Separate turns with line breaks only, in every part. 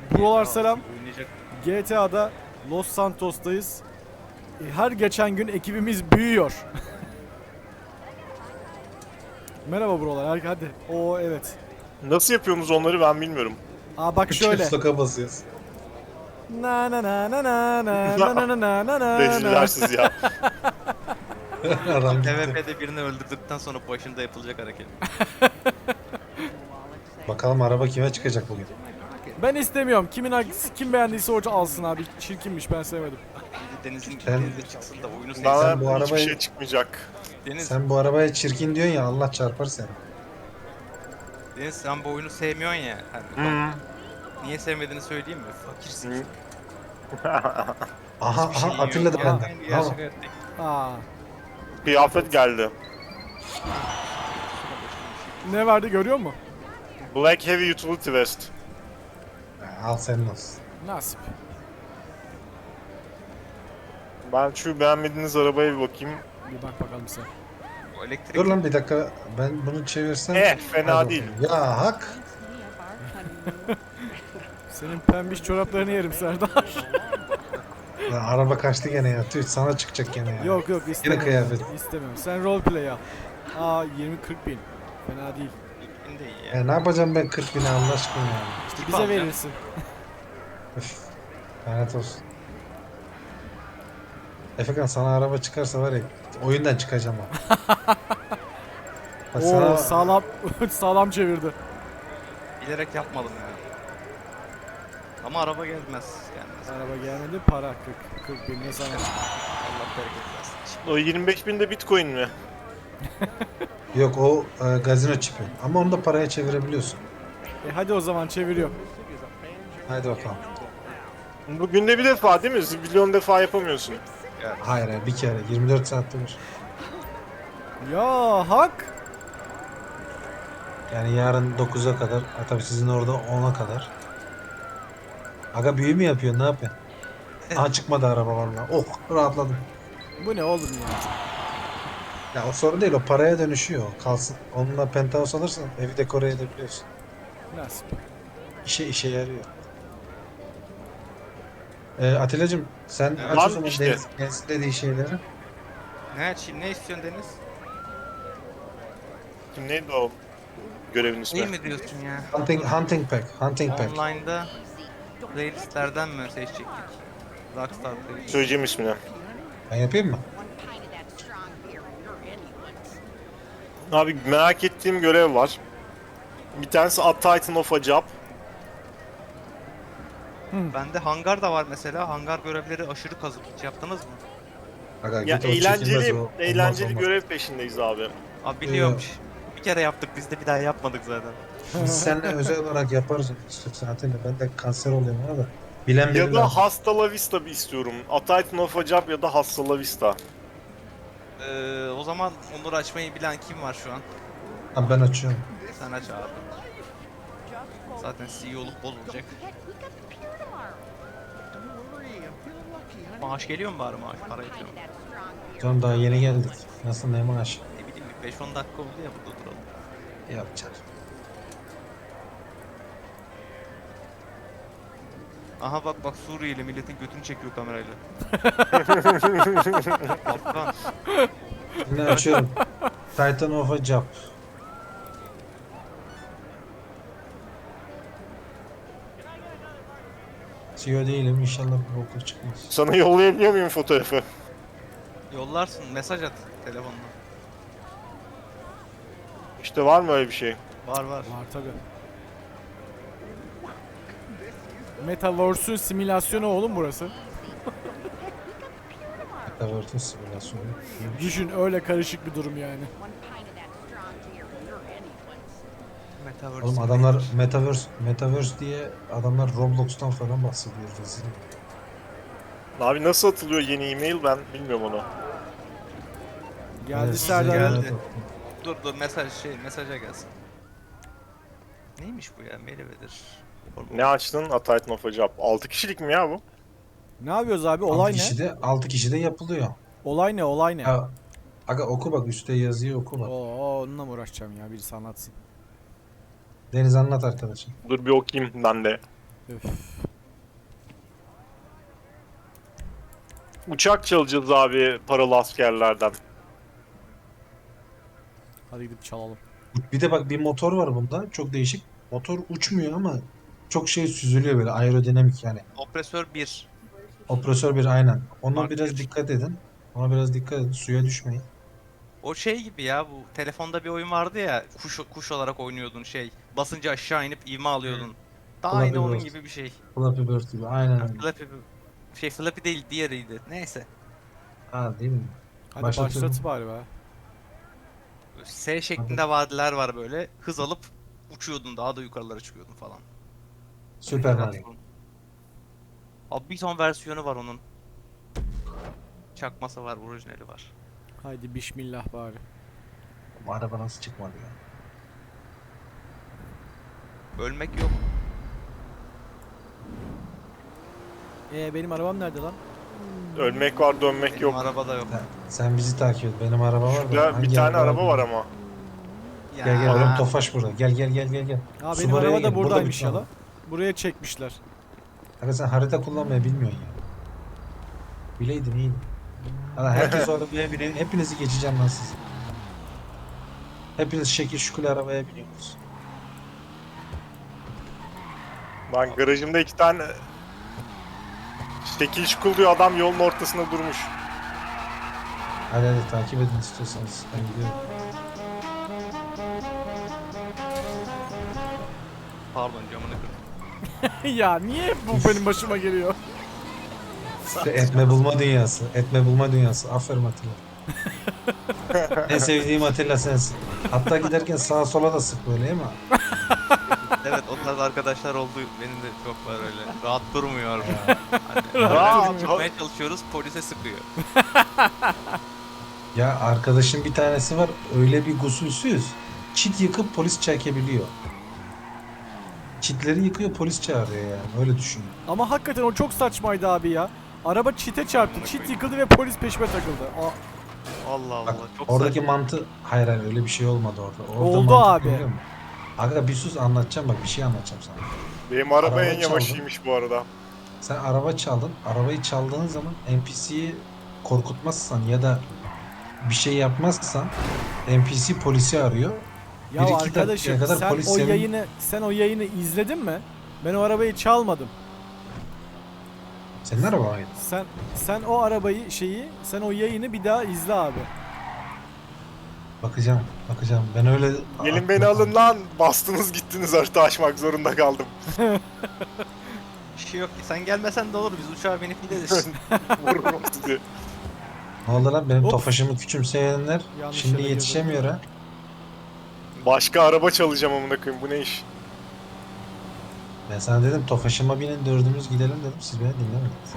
Buralar selam.
Oynayacak.
GTA'da Los Santos'tayız. Her geçen gün ekibimiz büyüyor. Merhaba buralar. Hadi. Oo evet.
Nasıl yapıyorsunuz onları ben bilmiyorum.
Aa bak şöyle.
Caps lock'a basıyoruz.
Na na na na na na na na na na na.
Rezillersiz ya.
Adam gitti.
PvP'de birini öldürdükten sonra başında yapılacak hareket.
Bakalım araba kime çıkacak bugün.
Ben istemiyorum. Kim beğendiyse o alsın abi. Çirkinmiş, ben sevmedim.
Deniz'in
Sen-
denize çıksın da oyunu sevsin.
Bana
bu
hiçbir
arabayı-
şey çıkmayacak.
Deniz,
Sen bu arabaya çirkin diyorsun ya, Allah çarpar seni.
Deniz sen bu oyunu sevmiyorsun ya. Hani,
Hmm.
niye sevmediğini söyleyeyim mi? Fakirsin.
Hı.
Aha
Hiçbir şeyin yok.
hatırladı
Ya,
benden.
aynı
Tamam.
gerçek hayattaki.
Aa.
Kıyafet geldi.
Ne verdi görüyor musun?
Black Heavy Utility Vest.
Al senin olsun.
Nasip.
Ben şu beğenmediğiniz arabaya bir bakayım.
Bir bak bakalım sen.
O elektrik
Dur lan bir dakika, ben bunu çevirsem.
Fena
Hadi
değil.
bakalım. Ya hak.
Senin pembiş çoraplarını yerim Serdar.
Lan araba kaçtı gene ya. Tüh, sana çıkacak gene ya.
Yok yok istemiyorum.
kıyafet.
İstemiyorum. Sen roleplay yap. Aa 20-40 bin. Fena değil.
de iyi ya.
Ne yapacağım ben 40 bin Allah aşkına ya.
İşte
Tip
bize
alacağım.
verirsin.
Üf. Lanet olsun. Efekan sana araba çıkarsa var ya, oyundan çıkacağım ha. Bak
Oo
sana
sağlam sağlam çevirdi.
Bilerek yapmadım ya. Ama araba gelmez. Gelmez.
Araba gelmedi, para 40 bin ne sana.
Allah bereket versin.
O 25 bin de Bitcoin mi?
yok o gazino çipi. Ama onu da paraya çevirebiliyorsun.
Hadi o zaman çeviriyorum.
Haydi bakalım.
Bu günde bir defa değil mi? Milyon defa yapamıyorsun.
Hayır hayır, bir kere 24 saatte bir.
Ya hak.
Yani yarın 9'a kadar, tabii sizin orada 10'a kadar. Aga büyü mü yapıyorsun, ne yapıyorsun? Aha çıkmadı araba vallahi. Oh, rahatladım.
Bu ne oğlum ya?
Ya o sorun değil, o paraya dönüşüyor. Kalsın. Onunla penthouse alırsan evi dekore edebiliyorsun.
Nasip.
İşe yarıyor. Atilla'cığım sen aç
Lan
o zaman
işte.
Deniz'in dediği şeyleri.
Ne istiyorsun Deniz?
Kim neydi o görevin ismi?
İyi mi diyorsun ya?
Hunting pack. Hunting pack.
Online'da playlistlerden mi seçecektik? Rockstar playlist.
Söyleyeceğim ismini.
Ben yapayım mı?
Abi merak ettiğim görev var. Bir tanesi A Titan of a Job.
Bende hangar da var mesela. Hangar görevleri aşırı kazık. Hiç yaptınız mı?
Aga,
Ya
git o çekilmez
eğlenceli,
o.
eğlenceli
Olmaz.
görev peşindeyiz abi.
Abi biliyormuş. Bir kere yaptık biz de bir daha yapmadık zaten.
Biz seninle özel olarak yaparız istiyorsan Atilla. Ben de kanser oluyorum ona da. Bilen
Ya
biri
da
lazım.
Hasta La Vista bir istiyorum. A Titan of a Job ya da Hasta La Vista.
O zaman onları açmayı bilen kim var şu an?
Ha, ben açıyorum.
Sen aç abi. Zaten CEO'luk bozulacak. Maaş geliyor mu bari maaş? Para yetiyor mu?
Canım daha yeni geldik. Nasıl ne maaş?
Ne bileyim bir 5-10 dakika oldu ya burada duralım.
Yapacağız.
Aha bak Suriyeli milletin götünü çekiyor kamerayla. Afgan.
Şimdi açıyorum. Titan of a Job. CEO değilim, inşallah bir boku çıkmaz.
Sana yollayabiliyor muyum fotoğrafı?
Yollarsın mesaj at telefonla.
İşte var mı öyle bir şey?
Var.
Var tabi. Metaverse'ün simülasyonu oğlum burası.
Metaverse'ün simülasyonu.
Düşün, öyle karışık bir durum yani.
Metaverse.
Oğlum adamlar Metaverse diye adamlar Roblox'tan falan bahsediyor. Rezil.
Abi nasıl atılıyor yeni e-mail ben bilmiyorum onu.
Geldi
Evet,
Serdar.
geldi. Dur mesaja gelsin. Neymiş bu ya? Meyvedir.
Ne açtın? A Titan of a Job. 6 kişilik mi ya bu?
Ne yapıyoruz abi?
6
Olay ne?
kişide 6 kişide yapılıyor.
Olay ne? Olay ne?
Ya, aga oku bak, üstte yazıyor, oku bak.
Oo, onunla mı uğraşacağım ya? Birisi anlatsın.
Deniz anlat arkadaşım.
Dur bir okuyayım ben de.
Öf.
Uçak çalacağız abi paralı askerlerden.
Hadi gidip çalalım.
Bir de bak bir motor var bunda. Çok değişik. Motor uçmuyor ama çok şey süzülüyor böyle aerodinamik yani.
Opresör 1.
Opresör bir aynen. Ona
Mark
biraz
bir.
dikkat edin. Ona biraz dikkat edin. Suya düşmeyin.
O şey gibi ya, bu telefonda bir oyun vardı ya, kuş olarak oynuyordun şey. Basınca aşağı inip ivme alıyordun. Daha
Flappy
aynı onun
Bird.
gibi bir şey.
Flappy Bird gibi. Aynen öyle.
Flappy değil, diğeriydi. Neyse.
Ha değil mi?
Hadi
Başlatıyorum.
başlat bari be.
S şeklinde vadiler var böyle. Hız alıp uçuyordun, daha da yukarılara çıkıyordun falan.
Süper Mario.
Abi bir ton versiyonu var onun. Çakması var, orijinali var.
Haydi bismillah bari.
Bu araba nasıl çıkmadı ya?
Ölmek yok.
Benim arabam nerede lan?
Ölmek var dönmek
Benim
yok.
arabada yok.
Sen bizi takip et. Benim araba var da.
Şurada bir
hangi
tane araba
bilmiyorum.
var ama.
Ya.
Gel gel oğlum Tofaş burada. Gel gel gel gel gel.
Ha benim
Subaru'ya
araba da
gel. Burada
buradaymış
bir
ya
tane.
lan. Buraya çekmişler.
Aga sen harita kullanmayı bilmiyorsun ya. Bileydin iyiydi. Hala herkes o arabaya biniyor. Hepinizi geçeceğim lan siz. Hepiniz şekil şukul arabaya biniyorsunuz.
Lan garajımda 2 tane şekil şukul diyor adam yolun ortasında durmuş.
Hadi hadi takip edin istiyorsanız. Ben gidiyorum.
Pardon, camını kırdım.
Ya niye hep bu benim başıma geliyor?
İşte etme bulma dünyası. Etme bulma dünyası. Aferin Atilla. En sevdiğim Atilla sensin. Hatta giderken sağa sola da sık böyle değil mi?
Evet, o tarz arkadaşlar oldu. Benim de çok var öyle. Rahat durmuyor.
Rahat.
Hani, çıkmaya çalışıyoruz, polise sıkıyor.
Ya arkadaşım bir tanesi var öyle bir gusülsüz. Çit yıkıp polis çekebiliyor. Çitleri yıkıyor polis çağırıyor yani öyle düşün.
Ama hakikaten o çok saçmaydı abi ya. Araba çite çarptı, çit yıkıldı ve polis peşime takıldı.
Allah Allah.
Bak,
Çok
oradaki
saçma.
mantı hayır hayır öyle bir şey olmadı orada. Orada
Oldu
mantık
abi.
ne biliyor musun? Aga bir sus anlatacağım bak bir şey anlatacağım sana.
Benim araba
Araba
en yavaşıymış bu arada.
Sen araba çaldın. Arabayı çaldığın zaman NPC'yi korkutmazsan ya da bir şey yapmazsan NPC polisi arıyor.
Ya
1-2
arkadaşım
dakikaya kadar
sen
polis
o
senin-
yayını izledin mi? Ben o arabayı çalmadım.
Senin araba mıydı?
Sen o arabayı sen o yayını bir daha izle abi.
Bakacağım. Ben öyle...
Gelin beni alın lan. Bastınız gittiniz harita açmak zorunda kaldım.
Bir şey yok ki. Sen gelmesen de olur. Biz uçağa binip gideriz.
Vururum sizi.
Ne oldu lan benim
Hop.
Tofaş'ımı küçümseyenler
Yanlış
şimdi
yere
yetişemiyor ha.
Başka araba çalacağım amına koyayım bu ne iş?
Ben sana dedim Tofaş'ıma binin dördümüz gidelim dedim siz beni dinlemediniz.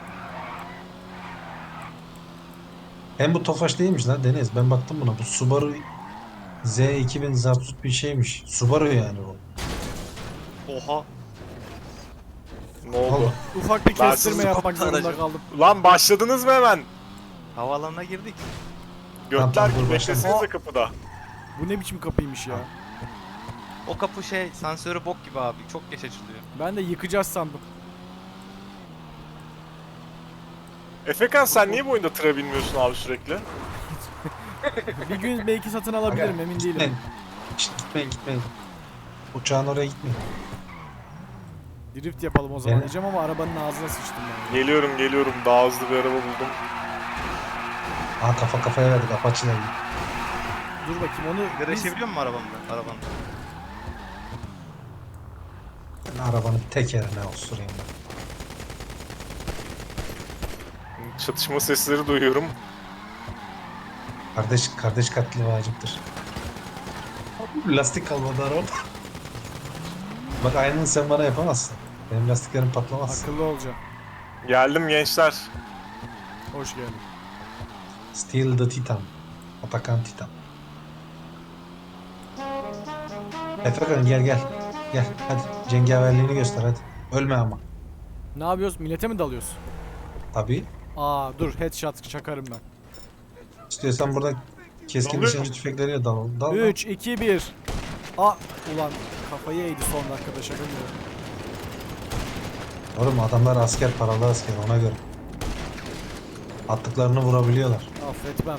Hem bu Tofaş değilmiş lan Deniz ben baktım buna bu Subaru Z2000 Zapsut bir şeymiş. Subaru yani bu.
Oha.
Ne oldu?
Ufak bir
Ben
kestirme
sizi
yapmak zorunda
aracım.
kaldım.
Lan başladınız mı hemen?
Havaalanına girdik.
Götler
Tamam,
gibi
dur,
beklesenize
başlama.
kapıda.
Bu ne biçim kapıymış ya.
O kapı sensörü bok gibi abi. Çok geç açılıyor.
Ben de yıkacağız sandım.
Efekan sen niye bu oyunda tıra binmiyorsun abi sürekli?
Bir gün belki satın alabilirim emin değilim.
Gitmeyin. Şşt, gitmeyin. Uçağın oraya gitmeyin.
Drift yapalım o zaman
Evet.
diyeceğim ama arabanın ağzına sıçtım ben.
Geliyorum daha hızlı bir araba buldum.
Aa kafa kafaya verdik Apache'ler gibi.
Dur bakayım onu
Sigara
biz...
içebiliyor musun arabanda?
Ben arabanın tekerine osurayım ben.
Çatışma sesleri duyuyorum.
Kardeş katli vaciptir. Lastik kalmadı arabada. Bak aynını sen bana yapamazsın. Benim lastiklerim patlamaz.
Akıllı olacağım.
Geldim gençler.
Hoş geldin.
Steel the Titan. Atakan Titan. Efekan gel. Gel hadi cengaverliğini göster hadi. Ölme ama.
Ne yapıyoruz? Millete mi dalıyoruz?
Tabii.
Dur headshot çakarım ben.
İstiyorsan burada keskin
Dalıyor
nişancı
mu?
tüfekleriyle dal. Dal.
3, 2, 1. Ulan kafayı eğdi son dakikada şaka gibi.
Oğlum adamlar asker, paralı asker, ona göre. Attıklarını vurabiliyorlar.
Affetmem.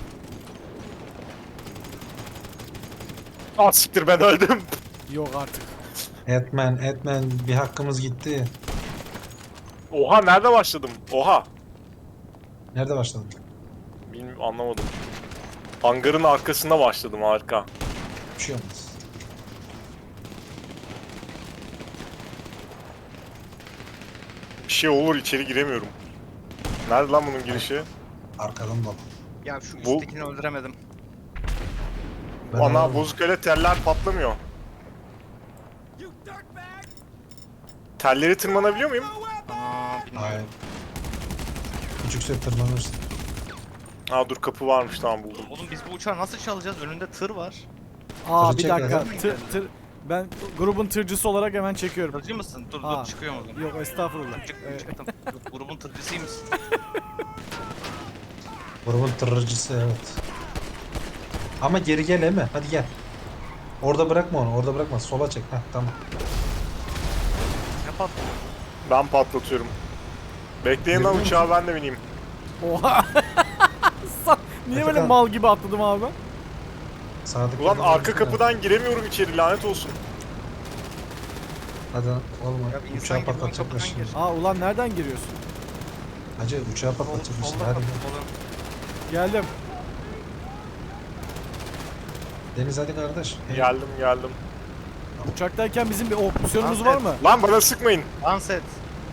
Ah siktir, ben öldüm.
Yok artık.
Etmen bir hakkımız gitti.
Oha, nerede başladım? Oha.
Nerede başladın?
Bilmiyorum, anlamadım. Hangarın arkasında başladım, harika.
Bir şey olmaz.
Bir şey olur, içeri giremiyorum. Nerede lan bunun girişi?
Arkadan dolu.
Ya şu
Bu-
üsttekini öldüremedim.
Ben
Ana
alalım.
bozuk öyle teller patlamıyor. Telleri tırmanabiliyor muyum?
Aa, bilmiyorum.
Hayır. Küçükse tırmanırsın.
Aa dur, kapı varmış, tamam buldum.
Oğlum biz bu uçağı nasıl çalacağız? Önünde tır var.
Aa
Tırı
bir
çek
dakika.
ya.
Ben grubun tırcısı olarak hemen çekiyorum.
Tırcı mısın? Dur
Aa.
dur çıkıyorum o zaman.
Yok estağfurullah.
Çıktım çıktım. Yok, grubun tırcısıymışsın.
Grubun tırırcısı, evet. Ama geri gel Eme. Hadi gel. Orada bırakma onu. Orada bırakma. Sola çek. Heh, tamam.
Ne patladı?
Ben patlatıyorum. Bekleyin lan,
Görüyor
uçağa ben de bineyim.
Oha. Niye böyle
Efekan.
mal gibi atladım abi?
Sağdaki
Ulan
yolda
arka
gitsene.
kapıdan giremiyorum içeri, lanet olsun.
Hadi oğlum.
Ya bir insan
Uçağı
gibi ön
patlatacaklar
kapıdan
şimdi.
gir.
Aa ulan nereden giriyorsun?
Hacı uçağı
Sol,
patlatacaklar şimdi.
solda
Hadi
kapı
gel.
solun.
Geldim.
Deniz hadi kardeş.
Geldim.
Uçaktayken bizim bir opsiyonumuz
Lan,
var mı?
Lan bana sıkmayın.
Dans et.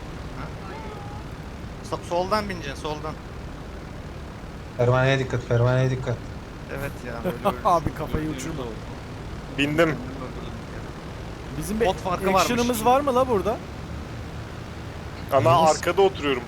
Ha? Soldan bineceksin soldan.
Pervaneye dikkat. Pervaneye dikkat.
Evet ya böyle öyle.
Abi kafayı uçurma.
Bindim.
Bizim bir
Bot farkı varmış.
action'ımız var mı la burada?
Ana
Deniz.
arkada oturuyorum.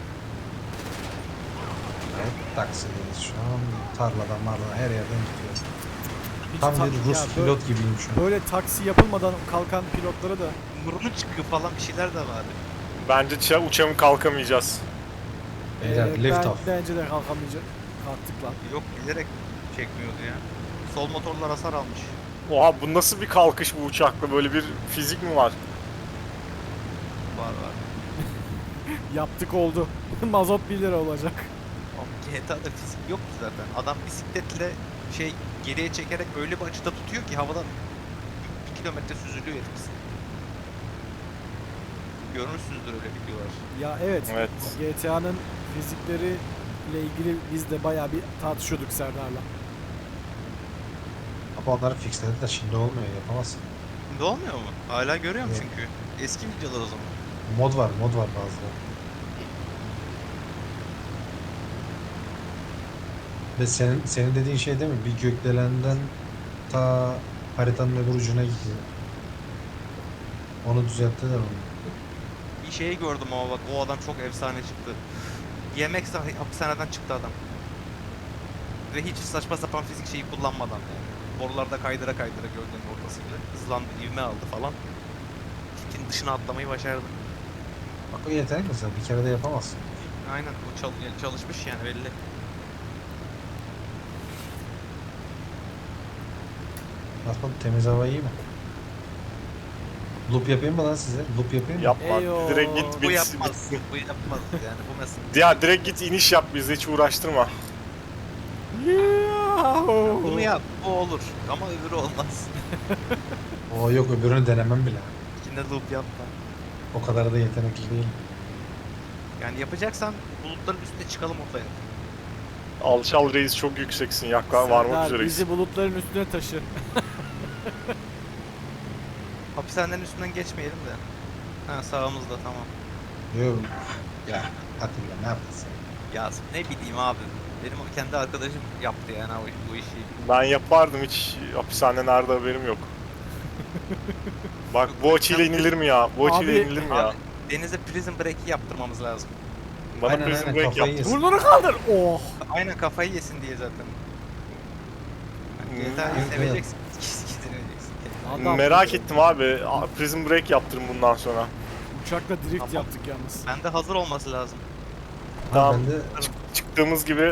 Evet, taksideyiz şu an. Tarladan marladan her yerden gidiyor.
Hiç
Tam
ta-
bir Rus
ya böyle-
pilot gibiyim şu an.
Böyle taksi yapılmadan kalkan pilotlara da
Burnu çıkıyor falan bir şeyler de var.
Bence uçağımı kalkamayacağız.
Beyler lift off.
bence de kalkamayacak. Kalktık lan.
Yok bilerek çekmiyordu ya. Sol motorlar hasar almış.
Oha, bu nasıl bir kalkış bu uçakla? Böyle bir fizik mi var?
Var.
Yaptık oldu. Mazot 1 lira olacak.
Ama GTA'da fizik yoktu zaten. Adam bisikletle geriye çekerek öyle bir açıda tutuyor ki havada 1 kilometre süzülüyor herif bisiklet. Görmüşsünüzdür öyle videolar.
Ya evet.
Evet.
GTA'nın fizikleri ile ilgili biz de bayağı bir tartışıyorduk Serdar'la.
Ama onları fixlediler. Şimdi olmuyor. Yapamazsın.
Şimdi olmuyor mu? Hala görüyorum
Yok.
çünkü. Eski videolar o zaman.
Mod var bazıları. Ve senin dediğin şey değil mi? Bir gökdelenden ta haritanın öbür ucuna gidiyor. Onu düzelttiler onu.
Bir şey gördüm ama bak o adam çok efsane çıktı. DMX hapishaneden çıktı adam. Ve hiç saçma sapan fizik şeyi kullanmadan yani. Borularda kaydıra gördüğün ortasıyla. Hızlandı, ivme aldı falan. Fikin dışına atlamayı başardı.
Bak o yetenek mesela. Bir kere de yapamazsın.
Aynen o çalışmış yani belli.
Nasıl temiz hava iyi mi? Loop yapayım mı lan size? Loop yapayım mı?
Yapma.
Eyo.
Direkt git
Bu
bitsin.
yapmaz. Bu yapmaz yani bu mesela.
Ya direkt git iniş yap, bizi hiç uğraştırma.
Yahoo!
Bunu yap bu olur ama öbürü olmaz.
Oo yok öbürünü denemem bile.
İçinde loop yapma.
O kadar da yetenekli değilim.
Yani yapacaksan bulutların üstüne çıkalım ortaya.
Alçal reis, çok yükseksin. Yakla varmak
Serdar,
üzereyiz.
bizi bulutların üstüne taşı.
Hapishanenin üstünden geçmeyelim de. Ha sağımızda tamam.
Yok. Ya Atilla ne yaptın sen?
Ya ne bileyim abi. Benim o kendi arkadaşım yaptı yani bu işi.
Ben yapardım, hiç hapishane nerede haberim yok. Bak bu açıyla inilir mi ya? Bu açıyla
Abi-
inilir mi ya?
Abi, denize prison break'i yaptırmamız lazım.
Bana
Aynen,
prison
aynen,
break
kafayı
yaptır.
yesin.
Burnunu kaldır. Oh.
Aynen kafayı yesin diye zaten.
Hmm,
GTA'yı
evet,
seveceksin. Seveceksin.
Adam,
Merak ettim abi. Prison break yaptırın bundan sonra.
Uçakla drift
Tamam.
yaptık yalnız.
Bende hazır olması lazım.
Tamam.
Ben de...
Çıktığımız gibi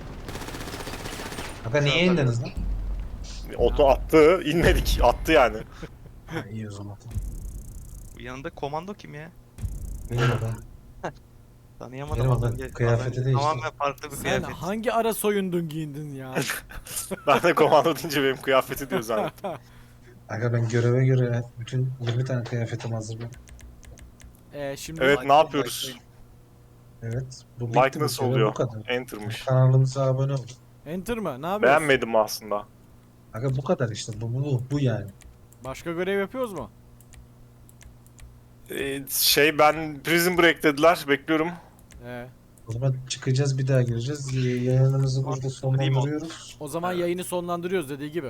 Kanka niye indiniz lan?
oto attı. İnmedik. Attı yani.
Ha, iyi o zaman.
Bu yanında komando kim ya?
Benim o ben.
Tanıyamadım
Benim
az
o
önce.
ben. Kıyafeti
Az önce
değişti.
tamamen farklı bir
Sen
kıyafet.
hangi ara soyundun giyindin ya?
Ben de komando deyince benim kıyafeti diyor zannettim.
Aga ben göreve göre bütün 20 tane kıyafetim hazır benim.
Şimdi
Evet, ne
Like'layın,
yapıyoruz?
like'layın.
Evet. Bu
Like
bitti, bu
nasıl
görev
oluyor?
bu kadar.
Enter'mış.
Kanalımıza abone olun.
Enter mı? Ne yapıyoruz?
Beğenmedim aslında.
Aga bu kadar işte. Bu yani.
Başka görev yapıyoruz mu?
Ben Prison Break dediler. Bekliyorum.
Ee,
O zaman çıkacağız, bir daha gireceğiz. Yayınımızı burada
Remote.
sonlandırıyoruz.
o zaman
Evet.
yayını sonlandırıyoruz dediği gibi.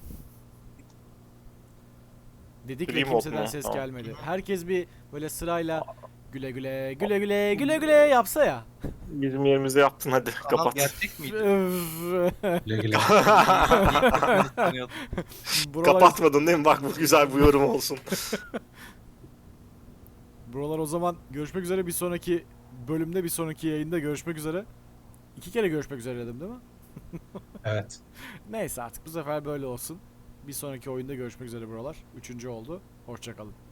Dedik ve
Remote
kimseden
mu?
ses
Tamam.
gelmedi. Herkes bir böyle sırayla güle güle güle güle güle güle yapsa ya.
Bizim yerimize yaptın, hadi
Kanal
kapat.
gerçek miydi?
Güle güle.
Tanıyordum.
buralar,
Kapatmadın değil mi? Bak, bu güzel bir yorum olsun.
buralar o zaman görüşmek üzere bir sonraki bölümde, bir sonraki yayında görüşmek üzere. 2 kere görüşmek üzere dedim değil mi?
Evet.
Neyse artık bu sefer böyle olsun. Bir sonraki oyunda görüşmek üzere buralar. 3. oldu. Hoşça kalın.